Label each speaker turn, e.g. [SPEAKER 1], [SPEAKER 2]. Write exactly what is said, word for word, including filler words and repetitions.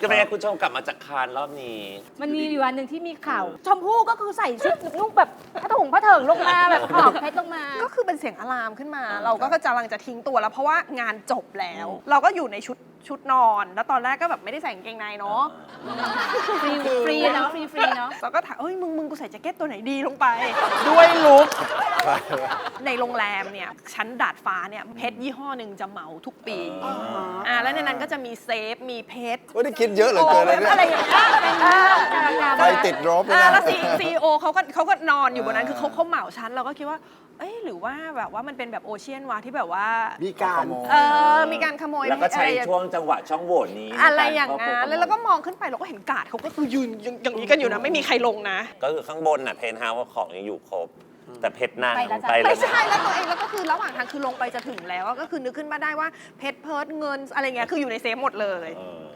[SPEAKER 1] ก็เป็นไงคุณชมกลับมาจากคานรอบนี้
[SPEAKER 2] มันมีอยู่วันหนึ่งที่มีข่าวชมพู่ก็คือใส่ชุดนุ่งแบบผ้าถุงผ้าเถิงลงมาแบบขอบเพชรลงมา
[SPEAKER 3] ก็คือเป็นเสียงอะลามขึ้นมา เราก็กำลังจะทิ้งตัวแล้วเพราะว่างานจบแล้ว เราก็อยู่ในชุดชุดนอน แล้วตอนแรกก็แบบไม่ได้ใส่กางเกงในเนาะ
[SPEAKER 2] ฟรีฟรีเนาะฟรีฟรีเนาะ
[SPEAKER 3] เราก็ถามเอ้ยมึงมึงกูใส่แจ็คเก็ตตัวไหนดีลงไป
[SPEAKER 1] ด้วยลุก
[SPEAKER 3] ในโรงแรมเนี่ยชั้นดาดฟ้าเนี่ยเพชรยี่ห้อหนึ่งจะเหมาทุกปีอ่าแล้วในนั้นก็จะมีเซฟมีเพชร
[SPEAKER 4] ว่าได้คิดเยอะเหลือเกินเลยเนี่ย
[SPEAKER 3] อะไรอย่างเงี้ย
[SPEAKER 4] ไฟติดรบเลย
[SPEAKER 3] อ่า
[SPEAKER 4] นะ
[SPEAKER 3] แล้วซีโอเขาก็เขาก็นอนอยู่บนนั้นคือเขาเขาเหมาชั้นเราก็คิดว่าเอ้ยหรือว่าแบบว่ามันเป็นแบบโอเชียนวาที่แบบว่า
[SPEAKER 4] มีการ
[SPEAKER 3] เออมีการขโมย
[SPEAKER 1] แล้วก็ใช้
[SPEAKER 3] อะไร
[SPEAKER 1] ช่วงจังหวะช่องโหว่นี้
[SPEAKER 3] อะไรอย่างนั้นแล้วเราก็มองขึ้นไปเราก็เห็นกาดเขาก็คือยืนอย่างนี้กันอยู่นะไม่มีใครลงนะ
[SPEAKER 1] ก็คือข้างบนน่ะเพนท์เฮาส์ของยังอยู่ครบ แต่เพชรนาง
[SPEAKER 2] ไปแล้วจ้ะ
[SPEAKER 1] ไปแล้
[SPEAKER 3] ไม่
[SPEAKER 1] ว
[SPEAKER 3] ใช่แล้วตัวเองแล้วก็คือระหว่างทางคือลงไปจะถึงแล้วก็คือนึกขึ้นมาได้ว่าเพชรเพิร์ดเงินอะไรเงี้ยคืออยู่ในเซฟหมดเลย
[SPEAKER 1] เออ